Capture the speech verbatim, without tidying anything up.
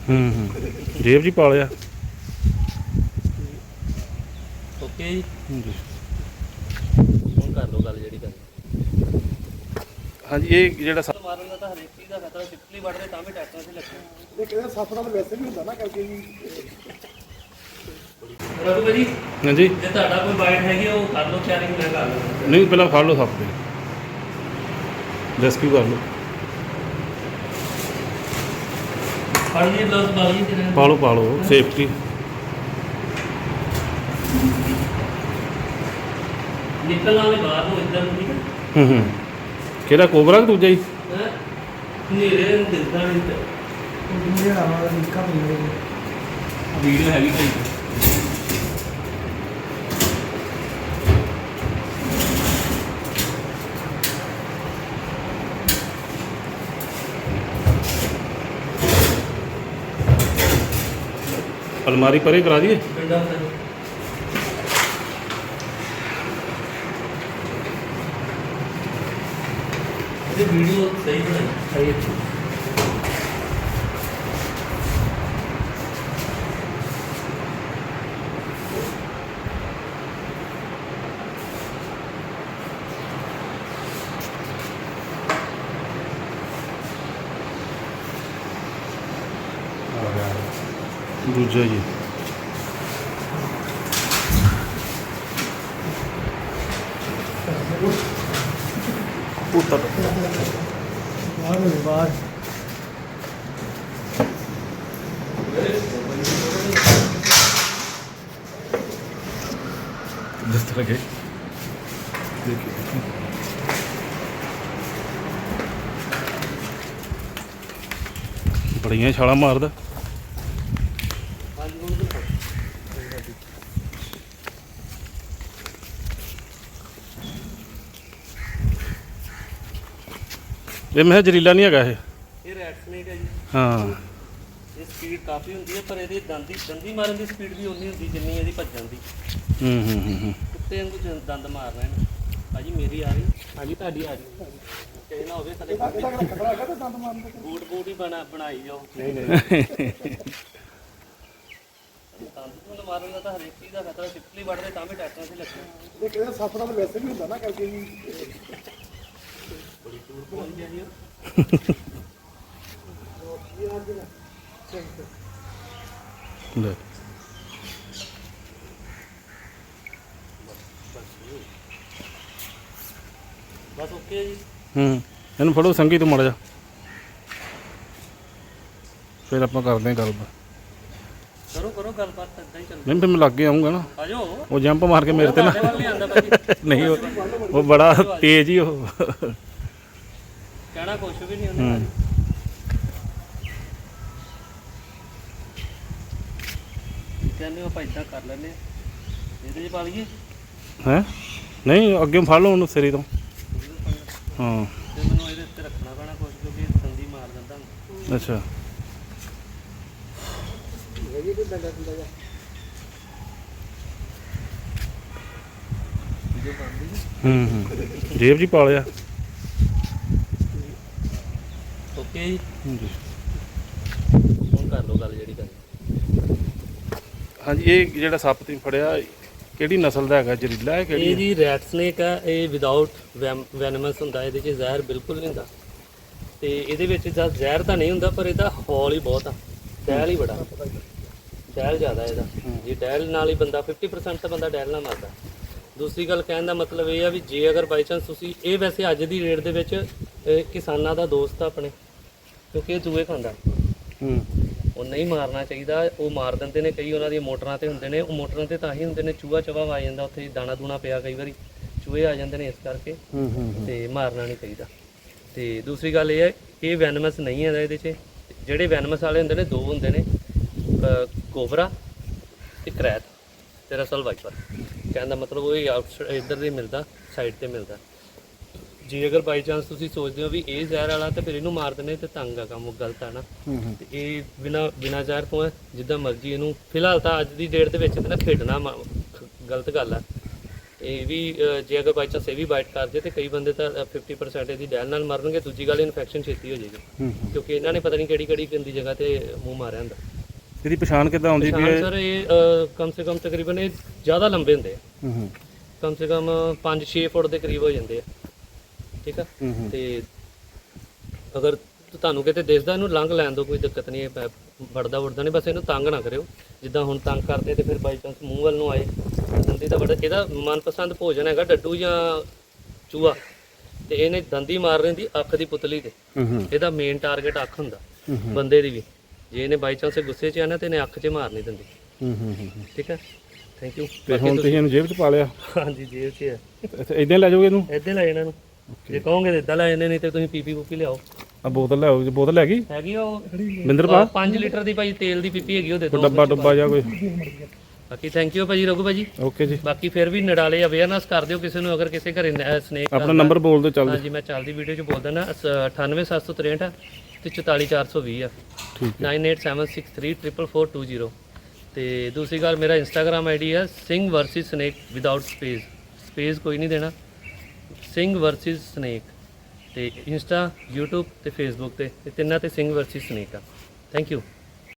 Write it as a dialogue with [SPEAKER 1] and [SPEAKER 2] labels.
[SPEAKER 1] ਹੂੰ ਹੂੰ ਜੇਬ 'ਚ ਹੀ ਪਾ ਲਿਆ।
[SPEAKER 2] ਓਕੇ ਜੀ,
[SPEAKER 1] ਹਾਂਜੀ
[SPEAKER 2] ਹੁਣ ਕਰ ਲਓ ਗੱਲ ਜਿਹੜੀ ਗੱਲ
[SPEAKER 1] ਹਾਂਜੀ ਇਹ ਜਿਹੜਾ ਸੱਪ
[SPEAKER 2] ਮਾਰਨ ਦਾ ਤਾਂ ਹਰੇਕ ਚੀਜ਼ ਦਾ ਖਤਰਾ, ਛਿਪਕਲੀ ਵੱਢਦੇ ਤਾਂ ਵੀ ਟੈਕਟਰਾਂ 'ਤੇ ਲੱਗਿਆ।
[SPEAKER 3] ਇਹ ਕਹਿੰਦੇ ਸੱਪ ਦਾ ਤਾਂ ਵੈਸੇ ਵੀ ਹੁੰਦਾ ਨਾ ਕਰਕੇ ਜੀ।
[SPEAKER 2] ਰਘੂ ਭਾਜੀ,
[SPEAKER 1] ਹਾਂਜੀ
[SPEAKER 2] ਜੇ ਤੁਹਾਡਾ ਕੋਈ ਬਾਈਟ ਹੈਗੀ ਉਹ ਕਰ ਲਓ ਤਿਆਰੀ, ਮੈਂ ਕਰ ਲਵਾਂ।
[SPEAKER 1] ਨਹੀਂ ਪਹਿਲਾਂ ਫੜ ਲਓ ਸੱਪ ਦੇ ਰੈਸਕਿਊ ਕਰ ਲਓ।
[SPEAKER 2] ਫੜ ਲਈ ਗਲਵਸ ਪਾ ਲਈ ਤੇਰੇ
[SPEAKER 1] ਪਾ ਲਓ ਪਾ ਲਓ ਸੇਫਟੀ।
[SPEAKER 2] ਨਿਕਲਣਾ ਵੀ ਬਾਹਰ ਨੂੰ ਇੱਧਰ ਨੂੰ, ਠੀਕ ਹੈ।
[SPEAKER 1] ਹੂੰ ਹੂੰ ਕਿਹੜਾ ਕੋਬਰਾ ਕਿ ਦੂਜਾ ਹੀ?
[SPEAKER 2] ਹੈਂ ਹਨੇਰੇ ਨੂੰ ਦਿਖਦਾ ਨਹੀਂ ਤੇ
[SPEAKER 3] ਇਹ ਆਵਾ ਦਾ ਨਿੱਕਾ ਪਈ
[SPEAKER 2] ਵੀਡੀਓ ਹੈਗੀ ਭਾਈ।
[SPEAKER 1] अलमारी परे करा दिए।
[SPEAKER 2] ਪਿੰਡਾਂ ਦਾ ਇਹ ਵੀਡੀਓ ਸਹੀ ਬਣਾਈ ਸਹੀ ਹੈ।
[SPEAKER 1] दूजा जी
[SPEAKER 3] ਬਾਹਰ ਹੋਵੇ ਬਾਹਰ।
[SPEAKER 1] जिस तरह के देखिए बड़िया छाला मारदा। ਇਹ ਮੈਂ ਜ਼ਰੀਲਾ ਨਹੀਂ ਹੈਗਾ ਇਹ।
[SPEAKER 2] ਇਹ ਰੈਡ ਸਨੇਕ ਹੈ ਜੀ।
[SPEAKER 1] ਹਾਂ
[SPEAKER 2] ਇਹ ਸਪੀਡ ਕਾਫੀ ਹੁੰਦੀ ਹੈ, ਪਰ ਇਹਦੀ ਦੰਦੀ ਦੰਦੀ ਮਾਰਨ ਦੀ ਸਪੀਡ ਵੀ ਉਨੀ ਹੁੰਦੀ ਜਿੰਨੀ ਇਹਦੀ ਭੱਜਣ ਦੀ।
[SPEAKER 1] ਹੂੰ ਹੂੰ ਹੂੰ ਹੂੰ
[SPEAKER 2] ਕੁੱਤੇ ਵਾਂਗੂ ਜ- ਦੰਦ ਮਾਰ ਰਹੇ ਨੇ। ਭਾਜੀ ਮੇਰੀ ਆ ਰਹੀ, ਹਾਂਜੀ ਤੁਹਾਡੀ ਆ ਰਹੀ। ਕਹੇ ਨਾ ਹੋਵੇ ਸਾਡੇ
[SPEAKER 3] ਇਹਦਾ ਖਤਰਾ ਹੈਗਾ ਤਾਂ ਦੰਦ ਮਾਰਨ ਦਾ।
[SPEAKER 2] ਬੂਟ ਬੂਟ ਹੀ ਬਣਾ ਬਣਾਈ ਜਾਓ।
[SPEAKER 3] ਨਹੀਂ ਨਹੀਂ
[SPEAKER 2] ਦੰਦ ਤੋਂ ਮਾਰਨ ਦਾ ਤਾਂ ਹਰੇਕ ਚੀਜ਼ ਦਾ ਖਤਰਾ, ਛਿਪਕਲੀ ਵੱਢਦੇ ਤਾਂ ਵੀ ਟੈਕਟਰਾਂ 'ਤੇ ਲੱਗਿਆ।
[SPEAKER 3] ਇਹ ਕਹਿੰਦੇ ਸੱਪ ਦਾ ਤਾਂ ਵੈਸੇ ਵੀ ਹੁੰਦਾ ਨਾ ਕਰਕੇ ਜੀ।
[SPEAKER 2] ਬੜੀ ਦੂਰ ਪਹੁੰਚ ਗਿਆ ਜੀ ਉਹ।
[SPEAKER 1] ਲੈ
[SPEAKER 2] ਬਸ ਓਕੇ ਜੀ।
[SPEAKER 1] ਹੂੰ ਇਹਨੂੰ ਫੜੋ ਸੰਗੀ ਤੋਂ ਮਾੜਾ ਜਾ, ਫਿਰ ਆਪਾਂ ਕਰਦੇ ਹਾਂ ਗੱਲਬਾਤ।
[SPEAKER 2] ਕਰੋ ਕਰੋ ਗੱਲਬਾਤ, ਇੱਦਾਂ ਹੀ ਚੱਲ।
[SPEAKER 1] ਨਹੀਂ ਫਿਰ ਮੈਂ ਲੱਗੇ ਆਉਂਗਾ ਨਾ,
[SPEAKER 2] ਆ ਜਾਓ।
[SPEAKER 1] ਉਹ ਜੰਪ ਮਾਰ ਕੇ ਮੇਰੇ ਤੇ ਨਾ।
[SPEAKER 2] ਤੁਹਾਡੇ ਵੱਲ ਨਹੀਂ ਆਉਂਦਾ ਭਾਜੀ।
[SPEAKER 1] ਨਹੀਂ ਉਹ ਉਹ ਬੜਾ ਤੇਜ਼ ਹੀ ਉਹ।
[SPEAKER 2] ਕਹਿਣਾ ਕੁਛ ਵੀ ਨਹੀਂ ਉਹਨੇ।
[SPEAKER 1] ਹੂੰ
[SPEAKER 2] ਕਹਿੰਦੇ ਆਪਾਂ ਇੱਦਾਂ ਕਰ ਲੈਂਦੇ ਹਾਂ, ਇਹਦੇ 'ਚ ਪਾ ਲਈਏ।
[SPEAKER 1] ਹੈ ਨਹੀਂ ਅੱਗੇ ਫੜ ਲਓ ਉਹਨੂੰ ਸਿਰੇ ਤੋਂ। ਹਾਂ
[SPEAKER 2] ਤੇ ਮੈਨੂੰ ਇਹਦੇ ਉੱਤੇ ਰੱਖਣਾ ਪੈਣਾ ਕੁਛ, ਕਿਉਂਕਿ ਇਹ ਦੰਦੀ ਮਾਰ ਦਿੰਦਾ ਹੁੰਦਾ।
[SPEAKER 1] ਅੱਛਾ
[SPEAKER 3] ਹੈਗੀ ਕੋਈ ਡੰਡਾ ਡੰਡਾ ਜਿਹਾ।
[SPEAKER 2] ਵੀਡੀਓ ਬਣਦੀ ਜੀ।
[SPEAKER 1] ਹੂੰ ਹੂੰ ਜੇਬ 'ਚ ਹੀ ਪਾ ਲਿਆ।
[SPEAKER 2] ਓਕੇ ਜੀ,
[SPEAKER 1] ਹਾਂਜੀ
[SPEAKER 2] ਹੁਣ ਕਰ ਲਓ ਗੱਲ ਜਿਹੜੀ ਗੱਲ।
[SPEAKER 1] ਹਾਂਜੀ ਇਹ ਜਿਹੜਾ ਸੱਪ ਤੁਸੀਂ ਫੜਿਆ ਕਿਹੜੀ ਨਸਲ ਦਾ ਹੈਗਾ? ਜ਼ਰੀਲਾ ਹੈ
[SPEAKER 2] ਇਹ
[SPEAKER 1] ਕਿਹੜੀ?
[SPEAKER 2] ਜੀ ਰੈਡ ਸਨੇਕ ਆ। ਇਹ ਵਿਦਆਊਟ ਵੈਨਮਸ ਹੁੰਦਾ, ਇਹਦੇ 'ਚ ਜ਼ਹਿਰ ਬਿਲਕੁਲ ਨਹੀਂ ਹੁੰਦਾ। ਤੇ ਇਹਦੇ ਵਿੱਚ ਜਦ ਜ਼ਹਿਰ ਤਾਂ ਨਹੀਂ ਹੁੰਦਾ, ਪਰ ਇਹਦਾ ਹੌਲ ਹੀ ਬਹੁਤ ਆ, ਡੈਲ ਹੀ ਬੜਾ, ਡੈਲ ਜ਼ਿਆਦਾ ਇਹਦਾ। ਜੇ ਡੈਲ ਨਾਲ ਹੀ ਬੰਦਾ ਫਿਫਟੀ ਪਰਸੈਂਟ ਤਾਂ ਬੰਦਾ ਡੈਲ ਨਾਲ ਮਰਦਾ। ਦੂਸਰੀ ਗੱਲ ਕਹਿਣ ਦਾ ਮਤਲਬ ਇਹ ਆ ਵੀ ਜੇ ਅਗਰ ਬਾਈ ਚਾਂਸ ਤੁਸੀਂ ਇਹ, ਵੈਸੇ ਅੱਜ ਦੀ ਰੇਟ ਦੇ ਵਿੱਚ ਇਹ ਕਿਸਾਨਾਂ ਦਾ ਦੋਸਤ ਆ ਆਪਣੇ, ਕਿਉਂਕਿ ਇਹ ਚੂਹੇ ਖਾਂਦਾ।
[SPEAKER 1] ਹੂੰ
[SPEAKER 2] ਉਹ ਨਹੀਂ ਮਾਰਨਾ ਚਾਹੀਦਾ, ਉਹ ਮਾਰ ਦਿੰਦੇ ਨੇ। ਕਈ ਉਹਨਾਂ ਦੀਆਂ ਮੋਟਰਾਂ ਤੇ ਹੁੰਦੇ ਨੇ, ਉਹ ਮੋਟਰਾਂ ਤੇ ਤਾਂ ਹੀ ਹੁੰਦੇ ਨੇ, ਚੂਹਾ ਚਵਾ ਆ ਜਾਂਦਾ ਉੱਥੇ, ਦਾਣਾ ਦੂਣਾ ਪਿਆ, ਕਈ ਵਾਰੀ ਚੂਹੇ ਆ ਜਾਂਦੇ ਨੇ, ਇਸ ਕਰਕੇ
[SPEAKER 1] ਹੂੰ ਹੂੰ
[SPEAKER 2] ਤੇ ਮਾਰਨਾ ਨਹੀਂ ਚਾਹੀਦਾ। ਤੇ ਦੂਸਰੀ ਗੱਲ ਇਹ ਹੈ, ਇਹ ਵੈਨਮਸ ਨਹੀਂ ਹੈ ਇਹਦੇ 'ਚ। ਜਿਹੜੇ ਵੈਨਮਸ ਵਾਲੇ ਹੁੰਦੇ ਨੇ ਦੋ ਹੁੰਦੇ ਨੇ, ਕੋਬਰਾ ਤੇ ਕਰੈਤ ਤੇ ਰਸਲ ਵਾਈਪਰ। ਕਹਿਣ ਦਾ ਮਤਲਬ ਉਹ ਆਊਟ ਇੱਧਰ ਦੇ ਮਿਲਦਾ, ਸਾਈਡ ਤੇ ਮਿਲਦਾ। ਜੇ ਅਗਰ ਬਾਈ ਚਾਂਸ ਤੁਸੀਂ ਸੋਚਦੇ ਹੋ ਵੀ ਇਹ ਜ਼ਹਿਰ ਵਾਲਾ ਤੇ ਫਿਰ ਇਹਨੂੰ ਮਾਰ ਦਿੰਦੇ ਤੇ ਤੰਗ ਆ ਕੰਮ, ਉਹ ਗਲਤ ਹੈ ਨਾ। ਤੇ ਇਹ ਬਿਨਾ ਬਿਨਾ ਜ਼ਹਿਰ ਤੋਂ ਹੈ, ਜਿੱਦਾਂ ਮਰਜ਼ੀ ਇਹਨੂੰ। ਫਿਲਹਾਲ ਤਾਂ ਅੱਜ ਦੀ ਡੇਟ ਦੇ ਵਿੱਚ ਤੇ ਨਾ ਖੇਡਣਾ ਮ- ਖ- ਗਲਤ ਗੱਲ ਆ। ਇਹ ਵੀ ਅਹ, ਜੇ ਅਗਰ ਬਾਈ ਚਾਂਸ ਇਹ ਵੀ ਬਾਈਟ ਕਰ ਜੇ ਤੇ ਕਈ ਬੰਦੇ ਤਾਂ ਫਿਫਟੀ ਪਰਸੈਂਟ ਇਹਦੀ ਡੈਲ ਨਾਲ ਮਰਨਗੇ। ਦੂਜੀ ਗੱਲ ਇਨਫੈਕਸ਼ਨ ਛੇਤੀ ਹੋ ਜਾਏਗੀ
[SPEAKER 1] ਹੂੰ ਹੂੰ।
[SPEAKER 2] ਕਿਉਂਕਿ ਇਹਨਾਂ ਨੇ ਪਤਾ ਨਹੀਂ ਕਿਹੜੀ ਕਿਹੜੀ ਗੰਦੀ ਜਗ੍ਹਾ ਤੇ ਮੂੰਹ ਮਾਰਿਆ ਹੁੰਦਾ।
[SPEAKER 1] ਇਹਦੀ ਪਛਾਣ ਕਿੱਦਾਂ ਆਉਂਦੀ ਵੀ
[SPEAKER 2] ਸਰ ਇਹ ਅਹ, ਕਮ ਸੇ ਕਮ ਤਕਰੀਬਨ ਇਹ ਜ਼ਿਆਦਾ ਲੰਬੇ ਹੁੰਦੇ ਆ,
[SPEAKER 1] ਹੂੰ ਹੂੰ
[SPEAKER 2] ਕਮ ਸੇ ਕਮ ਪੰਜ ਛੇ ਫੁੱਟ ਦੇ ਕਰੀਬ ਹੋ ਜਾਂਦੇ ਆ, ਠੀਕ ਆ।
[SPEAKER 1] ਹੂੰ ਹੂੰ।
[SPEAKER 2] ਤੇ ਅਗਰ ਤੁਹਾਨੂੰ ਕਿਤੇ ਦਿਸਦਾ ਇਹਨੂੰ ਲੰਘ ਲੈਣ ਦਿਓ, ਕੋਈ ਦਿੱਕਤ ਨਹੀਂ, ਇਹ ਵੜਦਾ ਵੜਦਾ ਨਹੀਂ, ਬਸ ਇਹਨੂੰ ਤੰਗ ਨਾ ਕਰਿਓ। ਜਿੱਦਾਂ ਹੁਣ ਤੰਗ ਕਰਦੇ ਤੇ ਫਿਰ ਬਾਈ ਚਾਂਸ ਮੂੰਹ ਵੱਲ ਨੂੰ ਆਏ ਦੰਦੀ ਦਾ ਬੜਾ ਇਹਦਾ ਮਨਪਸੰਦ ਭੋਜਨ ਹੈਗਾ ਡੱਡੂ ਜਾਂ ਚੂਹਾ, ਤੇ ਇਹਨੇ ਦੰਦੀ ਮਾਰ ਰਹਿੰਦੀ ਅੱਖ ਦੀ ਪੁਤਲੀ ਤੇ।
[SPEAKER 1] ਹੂੰ ਹੂੰ
[SPEAKER 2] ਇਹਦਾ ਮੇਨ ਟਾਰਗੇਟ ਅੱਖ ਹੁੰਦਾ
[SPEAKER 1] ਹੂੰ ਹੂੰ।
[SPEAKER 2] ਬੰਦੇ ਦੀ ਵੀ। ਜੇ ਇਹਨੇ ਬਾਈ ਚਾਂਸ ਗੁੱਸੇ 'ਚ ਆਣਾ ਤੇ ਇਹਨੇ ਅੱਖ 'ਚ ਮਾਰ ਨਹੀਂ ਦਿੰਦੀ,
[SPEAKER 1] ਹੂੰ ਹੂੰ ਹੂੰ ਹੂੰ।
[SPEAKER 2] ਠੀਕ ਹੈ। Thank you.
[SPEAKER 1] ਤੇ ਹੁਣ ਤੁਸੀਂ ਇਹਨੂੰ ਜੇਬ 'ਚ ਪਾ ਲਿਆ,
[SPEAKER 2] ਹਾਂਜੀ ਜੇਬ 'ਚ ਹੈ,
[SPEAKER 1] ਇੱਥੇ ਇਦਾਂ ਲੈ ਜਾਓਗੇ ਇਹਨੂੰ?
[SPEAKER 2] ਇੱਦਾਂ ਲੈ ਇਹਨਾਂ ਨੂੰ, ਜੇ ਕਹੋਗੇ ਤਾਂ ਇੱਦਾਂ ਲੈ ਜਾਂਦੇ, ਨਹੀਂ ਤੇ ਤੁਸੀਂ ਪੀਪੀ ਪੂਪੀ ਲਿਆਓ।
[SPEAKER 1] ਆ ਬੋਤਲ ਲੈ ਆਓ, ਬੋਤਲ ਹੈਗੀ
[SPEAKER 2] ਹੈਗੀ ਆ ਉਹ
[SPEAKER 1] ਬਿੰਦਰ ਪਾ
[SPEAKER 2] ਪੰਜ ਲੀਟਰ ਦੀ ਭਾਈ ਤੇਲ ਦੀ ਪੀਪੀ ਹੈਗੀ, ਉਹ ਦੇ
[SPEAKER 1] ਕੋਈ
[SPEAKER 2] ਦਿਓ।
[SPEAKER 1] ਡੱਬਾ ਡੁੱਬਾ ਜਾਂ ਕੋਈ?
[SPEAKER 2] ਬਾਕੀ ਥੈਂਕ ਯੂ ਭਾਜੀ ਰਘੂ ਭਾਜੀ।
[SPEAKER 1] ਓਕੇ ਜੀ।
[SPEAKER 2] ਬਾਕੀ ਫਿਰ ਵੀ ਨਡਾਲੇ ਅਵੇਅਰਨੈਸ ਕਰ ਦਿਓ ਕਿਸੇ ਨੂੰ, ਅਗਰ ਕਿਸੇ ਘਰੇ ਸਨੇਕ
[SPEAKER 1] ਆਪਣਾ ਨੰਬਰ ਬੋਲ ਦਿਓ ਚੱਲਦੇ।
[SPEAKER 2] ਹਾਂਜੀ ਮੈਂ ਚੱਲਦੀ ਵੀਡੀਓ 'ਚ ਬੋਲ ਦਿੰਦਾ, ਅਠਾਨਵੇਂ ਸੱਤ ਸੌ ਤਰੇਂਹਠ ਤੇ ਚੁਤਾਲੀ ਚਾਰ ਸੌ ਵੀਹ ਆ,
[SPEAKER 1] ਠੀਕ ਹੈ।
[SPEAKER 2] Nine eight seven six three triple four two zero. ਤੇ ਦੂਸਰੀ ਗੱਲ ਮੇਰਾ ਇੰਸਟਾਗ੍ਰਾਮ ਆਈਡੀ ਹੈ Singh versus snake without space, space ਕੋਈ ਨਹੀਂ ਦੇਣਾ, ਸਿੰਘ ਵਰਸਿਸ ਸਨੇਕ। ਤੇ ਇੰਸਟਾ, YouTube ਤੇ ਫੇਸਬੁੱਕ ਤੇ ਇਹ ਤਿੰਨਾਂ ਤੇ ਸਿੰਘ ਵਰਸਿਸ ਸਨੇਕ ਆ। Thank you.